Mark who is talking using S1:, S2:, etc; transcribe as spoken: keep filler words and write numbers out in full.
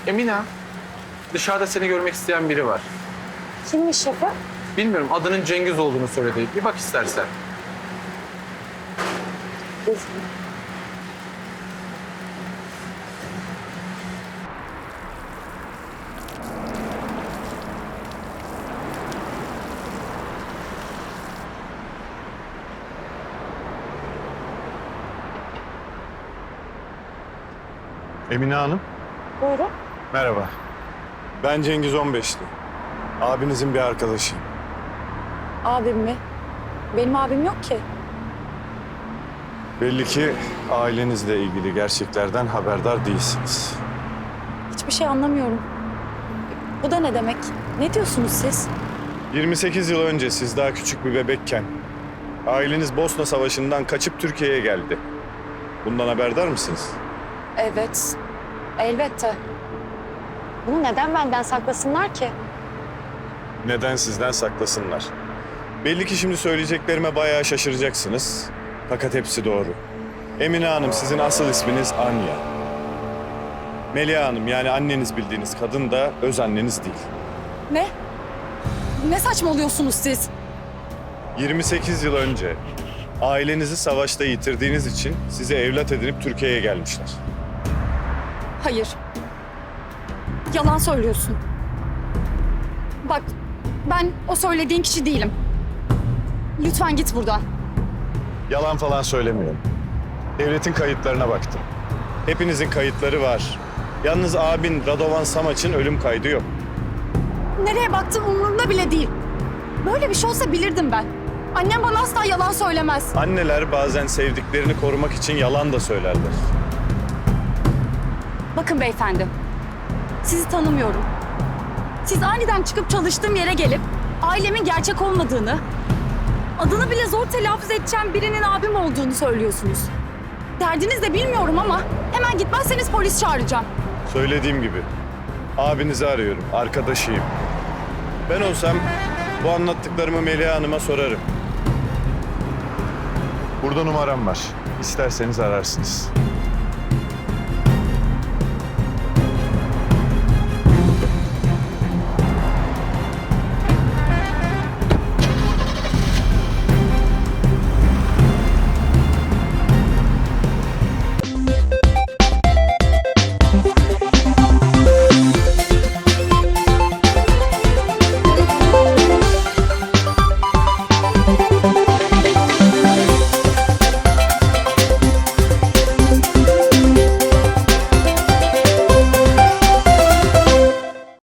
S1: Emine, dışarıda seni görmek isteyen biri var.
S2: Kimmiş şefim?
S1: Bilmiyorum, adının Cengiz olduğunu söyledi. Bir bak istersen.
S3: Emine Hanım,
S2: Buyurun.
S3: merhaba. Ben Cengiz on beşli. Abinizin bir arkadaşıyım.
S2: Abim mi? Benim abim yok ki.
S3: Belli ki ailenizle ilgili gerçeklerden haberdar değilsiniz.
S2: Hiçbir şey anlamıyorum. Bu da ne demek? Ne diyorsunuz siz?
S3: yirmi sekiz yıl önce siz daha küçük bir bebekken aileniz Bosna Savaşı'ndan kaçıp Türkiye'ye geldi. Bundan haberdar mısınız?
S2: Evet. Elbette. Bunu neden benden saklasınlar ki?
S3: Neden sizden saklasınlar? Belli ki şimdi söyleyeceklerime bayağı şaşıracaksınız. Fakat hepsi doğru. Emine Hanım, sizin asıl isminiz Anya. Melia Hanım, yani anneniz bildiğiniz kadın da öz anneniz değil.
S2: Ne? Ne saçmalıyorsunuz siz?
S3: yirmi sekiz yıl önce ailenizi savaşta yitirdiğiniz için sizi evlat edinip Türkiye'ye gelmişler.
S2: Hayır. Yalan söylüyorsun. Bak, ben o söylediğin kişi değilim. Lütfen git buradan.
S3: Yalan falan söylemiyorum. Devletin kayıtlarına baktım. Hepinizin kayıtları var. Yalnız abin Radovan Samaç'ın ölüm kaydı yok.
S2: Nereye baktığım umurumda bile değil. Böyle bir şey olsa bilirdim ben. Annem bana asla yalan söylemez.
S3: Anneler bazen sevdiklerini korumak için yalan da söylerler.
S2: Bakın beyefendi, sizi tanımıyorum. Siz aniden çıkıp çalıştığım yere gelip ailemin gerçek olmadığını, adını bile zor telaffuz edeceğim birinin abim olduğunu söylüyorsunuz. Derdiniz de bilmiyorum ama hemen gitmezseniz polis çağıracağım.
S3: Söylediğim gibi abinizi arıyorum, arkadaşıyım. Ben olsam bu anlattıklarımı Melia Hanım'a sorarım. Burada numaram var. İsterseniz ararsınız.